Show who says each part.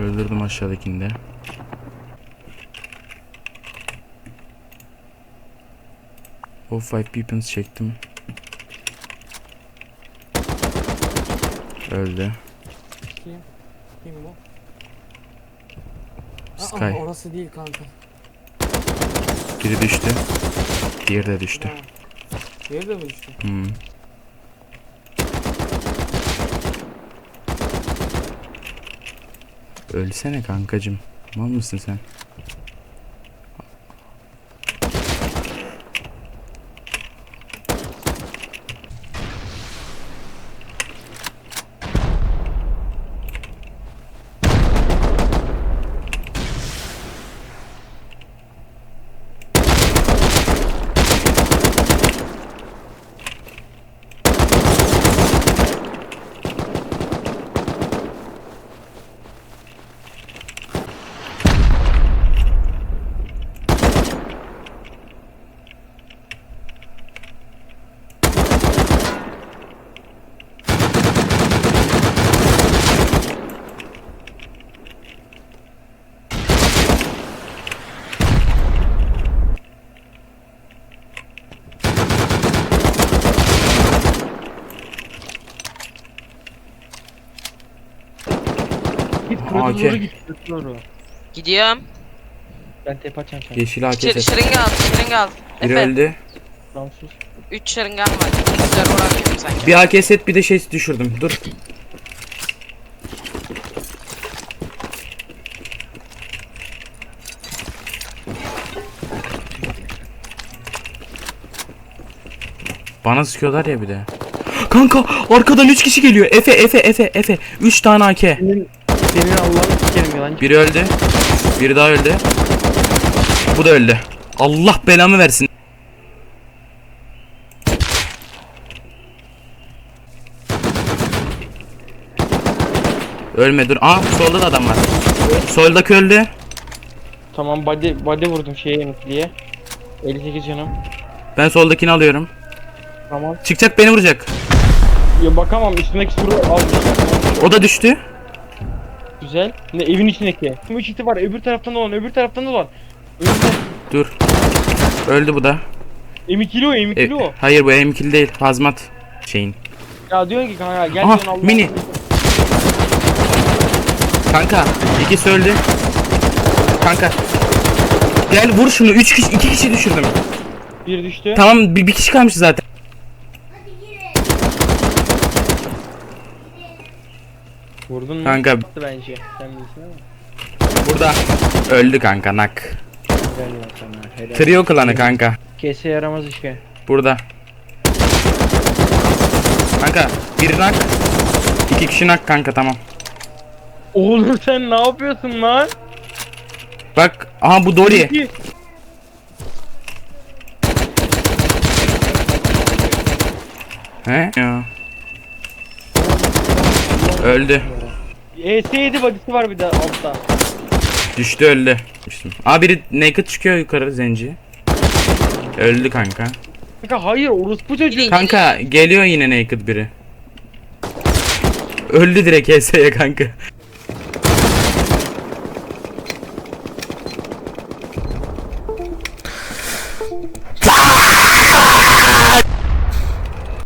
Speaker 1: Öldürdüm aşağıdakini de. O 5 weapons çektim. Öldü.
Speaker 2: Kim bu?
Speaker 1: Sky.
Speaker 2: Orası değil kanka.
Speaker 1: Biri düştü. Diğeri de düştü.
Speaker 2: Diğeri de mi düştü?
Speaker 1: Ölsene kankacım. Mal mısın sen? AK.
Speaker 3: Doğru.
Speaker 4: Gidiyorum.
Speaker 3: Ben tepe açacağım sana.
Speaker 1: Yeşil AK set.
Speaker 4: Şırınga al, şırınga al.
Speaker 1: Biri
Speaker 4: Efe,
Speaker 1: öldü.
Speaker 3: Ramsuz.
Speaker 4: 3 şırıngan var. Güzel vuramıyorum sanki.
Speaker 1: Bir AK set bir de şey düşürdüm. Dur. Bana sıkıyorlar ya bir de. Kanka arkadan 3 kişi geliyor. Efe. 3 tane AK.
Speaker 3: Senin Allah'ını sikerim yalancı.
Speaker 1: Biri öldü. Biri daha öldü. Bu da öldü. Allah belamı versin. Ölme dur. Aa solda da adam var. Soldaki öldü.
Speaker 3: Tamam body vurdum şeye emekliye. 58 canım.
Speaker 1: Ben soldakini alıyorum.
Speaker 3: Tamam.
Speaker 1: Çıkacak beni vuracak.
Speaker 3: Ya bakamam üstündeki suru almışlar.
Speaker 1: O da düştü.
Speaker 3: Güzel. Ne evin içindeki. 3 iti var öbür taraftan olan öbür taraftan olan. Önünde.
Speaker 1: Dur. Öldü bu da.
Speaker 3: M2'li o M2'li o.
Speaker 1: Hayır bu M2'li değil. Hazmat şeyin.
Speaker 3: Ya diyorsun ki kanka gel
Speaker 1: Aha,
Speaker 3: diyorsun Allah'ını.
Speaker 1: mini. Kanka ikisi öldü. Kanka. Gel vur şunu. 3 kişi 2 kişi düşürdüm.
Speaker 3: Bir düştü.
Speaker 1: Tamam bir kişi kalmış zaten.
Speaker 3: Vurdun mu?
Speaker 1: Kanka
Speaker 3: Attı bence. Sen bilirsin ama.
Speaker 1: burada öldü kanka nak.
Speaker 3: Helal ya sana. Helal.
Speaker 1: Trio klanı kanka.
Speaker 3: Kese yaramaz işte.
Speaker 1: Burada. Kanka bir nak. 2 kişi nak kanka tamam.
Speaker 3: Oğlum sen ne yapıyorsun lan?
Speaker 1: Bak aha bu Dori.
Speaker 3: İki.
Speaker 1: He? Ya. Öldü.
Speaker 3: ES7 body'si var bir de altta.
Speaker 1: Düştü öldü. Aa biri naked çıkıyor yukarı zenci. Öldü kanka.
Speaker 3: Kanka hayır orospu çocuğu.
Speaker 1: Kanka geliyor yine naked biri. Öldü direkt HS'ye kanka.